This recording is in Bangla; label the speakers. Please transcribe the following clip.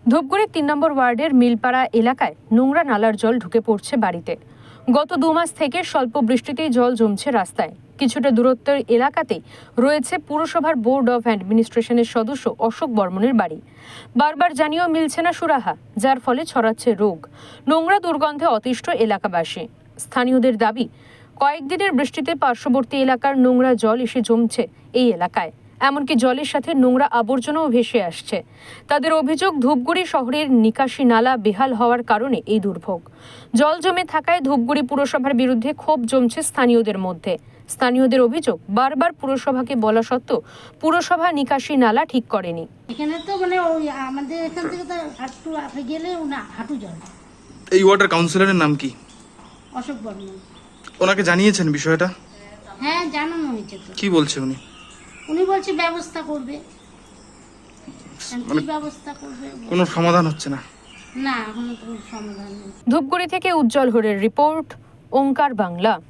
Speaker 1: ধূপগুড়ির ৩ নম্বর ওয়ার্ডের মিলপাড়া এলাকায় নোংরা নালার জল ঢুকে পড়ছে বাড়িতে। গত ২ মাস থেকে স্বল্প বৃষ্টিতেই জল জমছে রাস্তায়। কিছুটা দূরত্বের এলাকাতেই রয়েছে পুরসভার বোর্ড অফ অ্যাডমিনিস্ট্রেশনের সদস্য অশোক বর্মনের বাড়ি। বারবার জানিয়েও মিলছে না সুরাহা, যার ফলে ছড়াচ্ছে রোগ। নোংরা দুর্গন্ধে অতিষ্ঠ এলাকাবাসী। স্থানীয়দের দাবি, কয়েকদিনের বৃষ্টিতে পার্শ্ববর্তী এলাকার নোংরা জল এসে জমছে এই এলাকায়। এমনকি জলের সাথে নোংরা আবর্জনাও ভেসে আসছে। তাদের অভিযোগ, ধূপগুড়ি শহরের নিকাশি নালা বেহাল হওয়ার কারণে এই দুর্ভোগ। জল জমে থাকায় ধূপগুড়ি পুরসভার বিরুদ্ধে ক্ষোভ জমছে স্থানীয়দের মধ্যে। স্থানীয়দের অভিযোগ, বারবার পুরসভাকে বলা সত্ত্বেও পুরসভা নিকাশি নালা ঠিক করেনি।
Speaker 2: এখানে তো ওই আমাদের এখান থেকে তো একটু আগে গেলে হাঁটু জল।
Speaker 3: এই ওয়ার্ডের কাউন্সিলরের নাম কি?
Speaker 2: অশোক বর্মন।
Speaker 3: ওনাকে জানিয়েছেন বিষয়টা?
Speaker 2: হ্যাঁ, জানানো হয়েছে তো।
Speaker 3: কি বলছে উনি?
Speaker 2: উনি বলছে ব্যবস্থা করবে। কি ব্যবস্থা করবে?
Speaker 3: কোনো সমাধান হচ্ছে না?
Speaker 2: না, এখনো তো সমাধান নেই।
Speaker 1: ধূপগুড়ি থেকে উজ্জ্বল হরের রিপোর্ট, ওঙ্কার বাংলা।